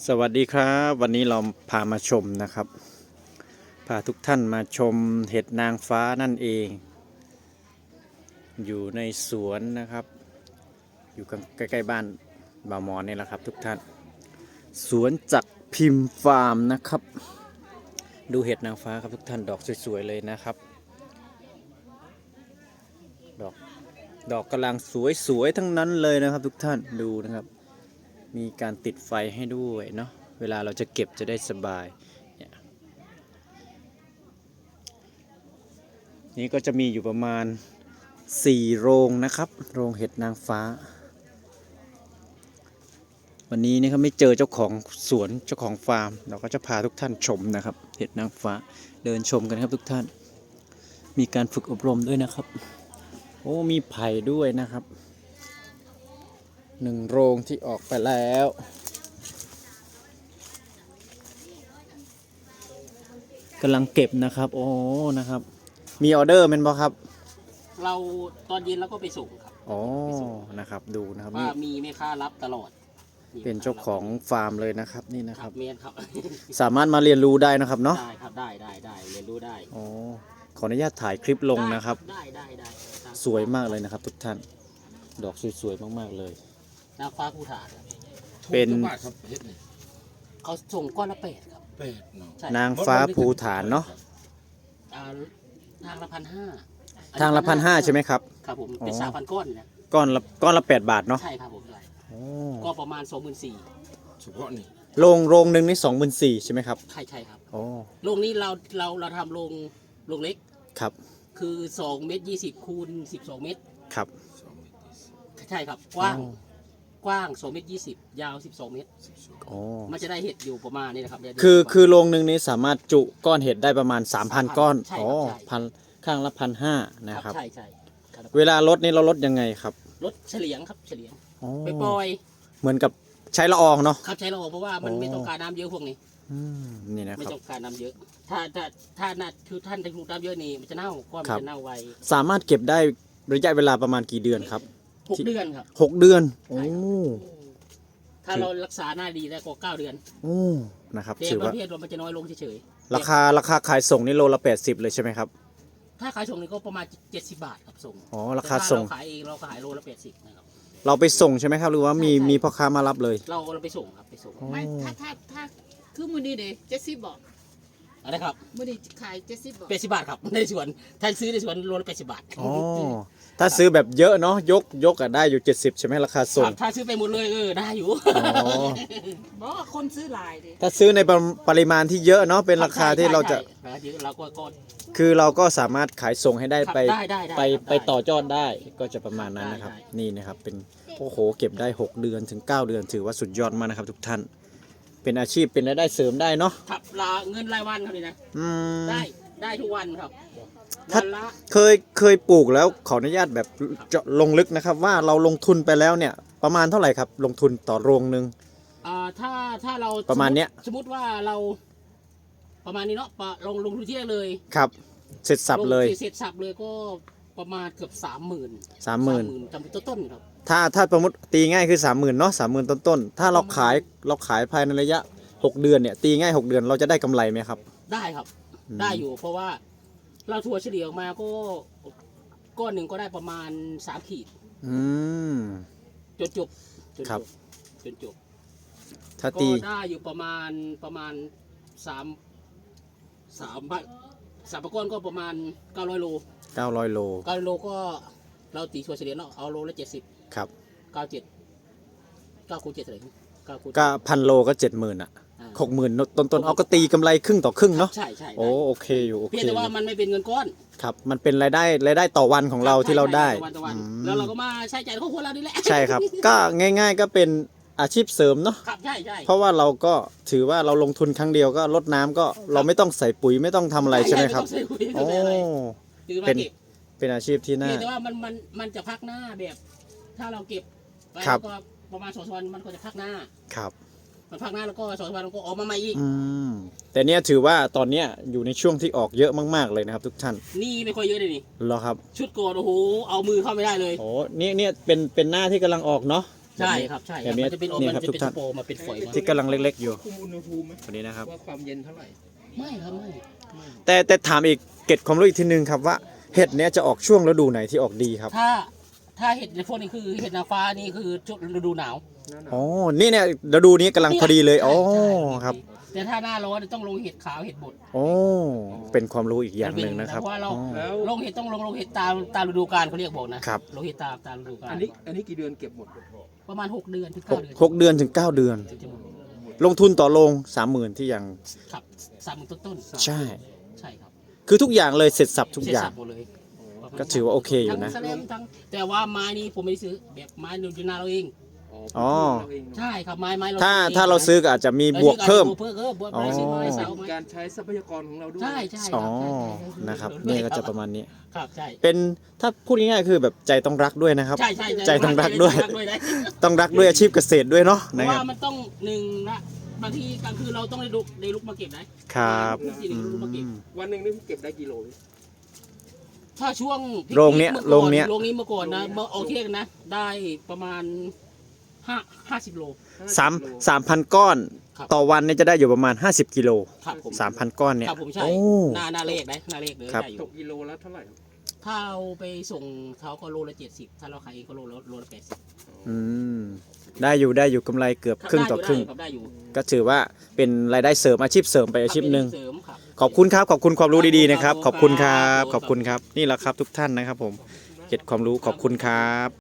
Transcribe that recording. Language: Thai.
สวัสดีครับวันนี้เราพามาชมนะครับพาทุกท่านมาชมเห็ดนางฟ้านั่นเอง อยู่ในสวนนะครับอยู่ใกล้ๆบ้านบ่าวหมอนนี่แหละครับทุกท่านสวนจักรพิมพ์ฟาร์มนะครับดูเห็ดนางฟ้าครับทุกท่านดอกสวยๆเลยนะครับดอกกำลังสวยๆทั้งนั้นเลยนะครับทุกท่านดูนะครับมีการติดไฟให้ด้วยเนาะเวลาเราจะเก็บจะได้สบายนี่ก็จะมีอยู่ประมาณ4โรงนะครับโรงเห็ดนางฟ้าวันนี้นี่ครับไม่เจอเจ้าของสวนเจ้าของฟาร์มเราก็จะพาทุกท่านชมนะครับเห็ดนางฟ้าเดินชมกันครับทุกท่านมีการฝึกอบรมด้วยนะครับโอ้มีไผ่ด้วยนะครับ1โรงที่ออกไปแล้วกำลังเก็บนะครับโอ้นะครับมีออเดอร์เป็นบ่ครับเราตอนเย็นเราก็ไปส่งครับอ๋อนะครับดูนะครับว่านี่มีแม่ค้ารับตลอดเป็นเจ้าของฟาร์มเลยนะครับนี่นะคครัรับบ เมียนครับสามารถมาเรียนรู้ได้นะครับเนาะได้ครับได้เรียนรู้ได้โอ้ขออนุญาตถ่ายคลิปลงนะครับได้สวยมากเลยนะครับทุกท่านดอกสวยๆมากๆเลยนางฟ้าภูฐานเป็นเขาส่งก้อนละ8ครับนางฟ้าภูฐานเนาะทางละ1,500 ทางละ1,500ใช่ไหมครับครับผมเป็น3,000 ก้อนนะก้อนละ8 บาทเนาะใช่ครับผมก็ประมาณ24,000 เฉพาะนี่โรงหนึ่งนี่24,000ใช่ไหมครับใช่ครับโอ้โรงนี้เราทำโรงเล็กครับคือ2 เมตร 20คูณ12 เมตรครับใช่ครับกว้าง2 เมตร 20ยาว12 เมตรโอ้มันจะได้เห็ดอยู่ประมาณนี้นะครับคือโรงหนึ่งนี้สามารถจุก้อนเห็ดได้ประมาณ 3,000 ก้อนอ๋อข้างละ1,500นะครับใช่เวลาลดนี่เราลดยังไงครับลดเฉลียงครับเฉลียงไปปล่อยเหมือนกับใช้ละอองเนาะครับใช้ละอองเพราะว่ามันไม่ต้องการน้ำเยอะพวกนี้นี่นะครับไม่ต้องการน้ำเยอะถ้าน่าคือท่านได้ถูกน้ำเยอะนี่มันจะเน่าก็มันจะเน่าไวสามารถเก็บได้ระยะเวลาประมาณกี่เดือนครับ 6 เดือนครับ 6 เดือนโอ้ถ้าเรารักษาหน้าดีได้ก็9 เดือนโอ้นะครับถือว่าประเภทมันจะน้อยลงเฉยๆราคาขายส่งนี่โลละ80เลยใช่ไหมครับถ้าขายส่งนี่ก็ประมาณ70 บาทครับส่งอ๋อราคาส่งเราขายเองเราขายโลละ80นะครับเราไปส่งใช่ไหมครับหรือว่ามีพ่อค้ามารับเลยเราไปส่งครับไปส่งไม่ถ้าคือมือนี้เด้70 บาทอะไรครับมือนี้ขาย70 บาท 80 บาทครับในสวนถ้าซื้อในสวนโลละ80 บาทอ๋อถ้าซื้อแบบเยอะเนาะยกได้อยู่70ใช่ไหมราคาส่งถ้าซื้อไปหมดเลยได้อยู่บอกคนซื้อหลายดิถ้าซื้อในปริมาณที่เยอะเนาะเป็นราคาที่เราจะเราก็คือเราก็สามารถขายส่งให้ได้ไปต่อยอดได้ก็จะประมาณนั้นนะครับนี่นะครับเป็นโอ้โหเก็บได้6 เดือนถึง9 เดือนถือว่าสุดยอดมากนะครับทุกท่านเป็นอาชีพเป็นรายได้เสริมได้เนาะครับเงินรายวันครับนี่นะได้ทุกวันครับถ้าเคยปลูกแล้วขออนุญาตแบบเจาะลงลึกนะครับว่าเราลงทุนไปแล้วเนี่ยประมาณเท่าไหร่ครับลงทุนต่อโรงนึงถ้าเราประมาณเนี้ยสมมติว่าเราประมาณนี้เนาะลงทุนที่เลยครับเสร็จสับเลยก็ประมาณเกือบ 30,000 จำเป็นต้นครับถ้าสมมติตีง่ายคือ30,000เนาะ30,000ต้นถ้าเราขายภายในระยะ6 เดือนเนี่ยตีง่าย6 เดือนเราจะได้กำไรไหมครับได้ครับได้อยู่เพราะว่าเราถั่วเฉลี่ยออกมาก็ก้อนหนึ่งก็ได้ประมาณ3 ขีดจนจบครับจนจบถ้าตีก็ได้อยู่ประมาณ3ก้อนก็ประมาณ900 โล 900 โลก็เราตีถั่วเฉลี่ยเนาะเอาโลละ70 ครับ 9คูณ7เท่าไหร่ก็1,000 โลก็70,000อ่ะ60,000ต้นเอาก็ตีกำไรครึ่งต่อครึ่งเนาะใช่โอเคอยู่โอเคเพียงแต่ว่ามันไม่เป็นเงินก้อนครับมันเป็นรายได้ต่อวันของเราที่เราได้แล้วเราก็มาใช้จ่ายครอบครัวเรานี่แหละใช่ครับก็ง่ายๆก็เป็นอาชีพเสริมเนาะครับใช่เพราะว่าเราก็ถือว่าเราลงทุนครั้งเดียวก็ลดน้ำก็เราไม่ต้องใส่ปุ๋ยไม่ต้องทำอะไรใช่ไหมครับโอ้เป็นอาชีพที่น่าแต่ว่ามันจะพักหน้าแบบถ้าเราเก็บไปก็ประมาณ2 วันมันก็จะพักหน้าครับมันพักหน้าแล้วก็2 วันก็ออกมาใหม่อีกแต่เนี้ยถือว่าตอนเนี้ยอยู่ในช่วงที่ออกเยอะมากๆเลยนะครับทุกท่านนี่ไม่ค่อยเยอะเลยนี่เหรอครับชุดโกดโอ้โหเอามือเข้าไม่ได้เลยโอ้เนี่ยเป็นหน้าที่กำลังออกเนาะใช่ครับใช่แบบนี้มันจะเป็นนี่มันครับจะทุเป็นกท่านสโปรมาเป็นฝอยมาที่กำลังเล็กๆอยู่คุมอุณหภูมิไหมตัวนี้นะครับว่าความเย็นเท่าไหร่ไม่ครับไม่แต่ถามอีกเกร็ดความรู้อีกทีนึงครับว่าเห็ดเนี้ยจะออกช่วงฤดูไหนที่ออกดีครับถ้าเห็ดในพวกนี้คือเห็ดนางฟ้านี่คือช่วงฤดูหนาวหน้าหนาวอ๋อ นี่เนี่ยฤดูนี้กำลังพอดีเลย อ๋อใช่ครับแต่ถ้าหน้าร้อนต้องลงเห็ดขาวเห็ดบดโอ้ เป็นความรู้อีกอย่างหนึ่งนะครับเพราะว่าเราอ๋อแล้วลงเห็ดต้องลงเห็ดตามฤดูกาลเขาเรียกบอกนะครับ ลงเห็ดตามฤดูกาลอันนี้กี่เดือนเก็บหมดประมาณ6 เดือนถึงหก 9 เดือนหกเดือนถึง 9 เดือนถึงจะหมดลงทุนต่อโรง 30,000 ที่อย่างครับ30,000ต้นใช่ใช่ครับคือทุกอย่างเลยเสร็จสับทุกอย่างเสร็จสับหมดเลยก็ถือว่าโอเคอยู่ทั้นะงแสลมทั้งแต่ว่าไม้นี่ผมไม่ได้ซื้อแบบไม้ดูนาเราเองอ๋อเราเองเนอะใช่ครับไม้เราถ้าเราซื้อก็อาจจะมีบวกเพิ่มบวกไม้ซื้อไม้เสาไม้การใช้ทรัพยากรของเราด้วยใช่ใช่คอ๋รัอใช่นะครับนี่ก็จะประมาณนี้ครับใช่เป็นถ้าพูดง่ายๆคือแบบใจต้องรักด้วยนะครับใช่ใจต้องรักด้วยนะต้องรักด้วยอาชีพเกษตรด้วยเนาะเพนะราะคว่ารับมันต้องหนึ่งละบางทีกลางคืนเราต้องได้ลุกมาเก็บนะครับ ทุกทีอืได้ลุกมาเก็บมวันหนึ่งนี่เก็บได้กี่โลถ้าช่วงโรงเนี้ยมื่อก่อโรงเนี้ยโรงนี้เมื่อก่อนนะเมื่อเอาเที่ยงนะได้ประมาณ50 โล 3,000 ก้อนครับต่อวันเนี่ยจะได้อยู่ประมาณ 50 กิโลครับผม 3,000 ก้อนเนี่ยครับผมใช่โอ้หน้าเลขนะหน้าเลขเลยครับได้อตยู่กกิโลแล้วเท่าไหร่ครับถ้าเอาไปส่งเขาก็โลละ70ถ้าเราขายเองก็โลละ80 อืมได้อยู่กำไรเกือบครึ่งต่อครึ่งได้อยู่ก็ถือว่าเป็นรายได้เสริมอาชีพเสริมไปอาชีพหนึ่งเสริมครับขอบคุณครับ ขอบคุณความรู้ดีๆนะครับครับขอบคุณครับครับขอบคุณครับ นี่แหละครับทุกท่านนะครับผมเก็บความรู้ขอบคุณครับ